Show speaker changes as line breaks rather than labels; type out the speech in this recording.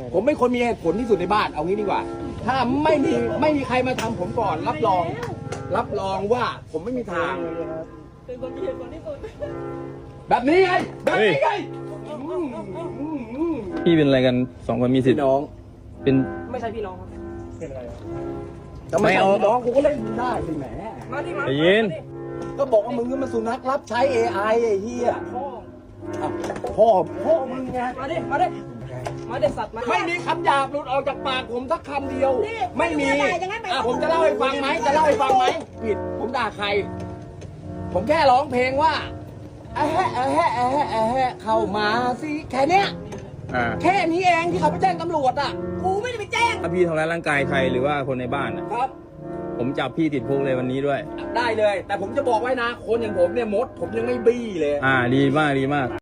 ผมเป็นคนมีเหตุผลที่สุดในบ้านเอางี้ดีกว่า ถ้าไม่มีใครมาทำผมก่อนรับรองว่าผมไม่มีทาง
เป็นคนมีเหตุผลที่สุด
แบบนี้ไงแบบนี้ไง
พี่เป็นอะไรกันสองคนมีสิท
พี่
ธิ์
น้อง
เป็น
ไม่ใช่พี่น้องครับ
ทำไมเอาน้องกูก็เล่นได้สิแหม
มาดิมา
ใจเย็น
ก็บอกว่ามึงก็มาสุนัขรับใช้ AI ไอ้เหี้ย
พ่อ
อ้าวพ่อมึงไง
มาดิสัตว์มา
ไม่มีคำหยาบหลุดออกจากปากผมสักคำเดียว
นี่
ไม่มี
ไม่ได้อย่างนั้นไป
ผมจะเล่าให้ฟังไหมผิดผมด่าใคร ผมแค่ร้องเพลงว่าเข้ามาสิแค่เนี้ย แค่นี้เองที่เขาไปแจ้งตำรวจอ่ะ
กูไม่ได้ไปแจ้ง
ถ้าพี่ทำร้ายร่างกายใครหรือว่าคนในบ้านอ่ะ
ครับ
ผมจับพี่ติดคุกเลยวันนี้ด้วย
ได้เลย แต่ผมจะบอกไว้นะ คนอย่างผมเนี่ยมดผมยังไม่บี้เลย
ดีมาก